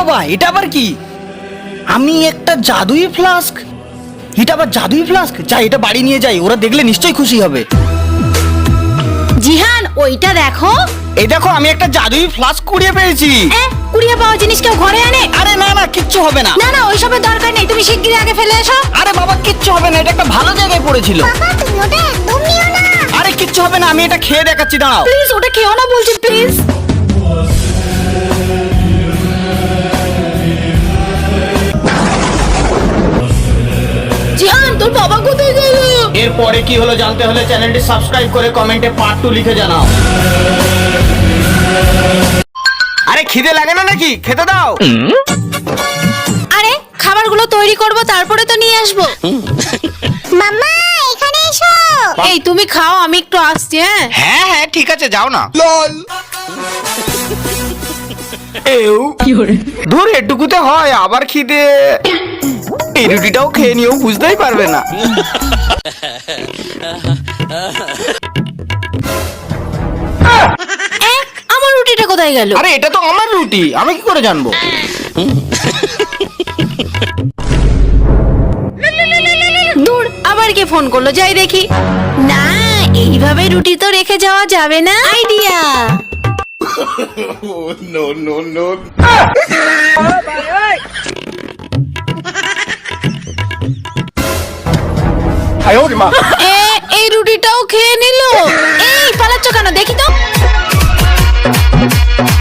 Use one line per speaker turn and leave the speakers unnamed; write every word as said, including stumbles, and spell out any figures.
বাবা, এটা আবার কি? আমি একটা জাদুই ফ্লাস্ক? এটা আবার জাদুই ফ্লাস্ক? যাই, এটা বাড়ি নিয়ে যাই, ওরা দেখলে নিশ্চয়ই খুশি হবে।
জিহান ওইটা দেখো।
এই দেখো, আমি একটা জাদুই ফ্লাস্ক কুড়িয়ে পেয়েছি।
এ, কুড়িয়ে পাওয়া জিনিস কেউ ঘরে আনে?
আরে না না, কিচ্ছু হবে না।
না না, ওইসবের দরকার নেই, তুমি শিগগিরই আগে ফেলে এসো।
আরে বাবা, কিচ্ছু হবে না, এটা একটা ভালো জায়গায় পড়েছিল।
বাবা তুমি ওটা একদম নিও না।
আরে কিচ্ছু হবে না, আমি এটা খেয়ে দেখাচ্ছি, দাঁড়াও।
প্লিজ ওটা খেও না বলছি, প্লিজ। জিহান তোর বাবা কোথায় গেল?
এরপরে কি হলো জানতে হলে চ্যানেলটি সাবস্ক্রাইব করে কমেন্টে পার্ট টু লিখে জানাও। আরে খিদে লাগে না নাকি? খেতে দাও।
আরে খাবারগুলো তৈরি করব, তারপরে তো নিয়ে আসবো।
মাম্মা এখানে এসো।
এই তুমি খাও, আমি একটু আসছি। হ্যাঁ
হ্যাঁ হ্যাঁ ঠিক আছে, যাও না। লল এও ধর, এটুকুতে হয়, আবার খিদে। এই রুটিটাও খেয়ে নিও, বুঝতেই পারবে না।
এ, আমার রুটিটা কোথায় গেল?
আরে এটা তো আমার রুটি, আমি কি করে জানবো?
দূর, আবার কে ফোন করলো, যাই দেখি। না, এইভাবে রুটি তো রেখে যাওয়া যাবে না। আইডিয়া। এ, এই রুটিটাও খেয়ে নিল। এই পালাচ্ছ কেন, দেখি তো।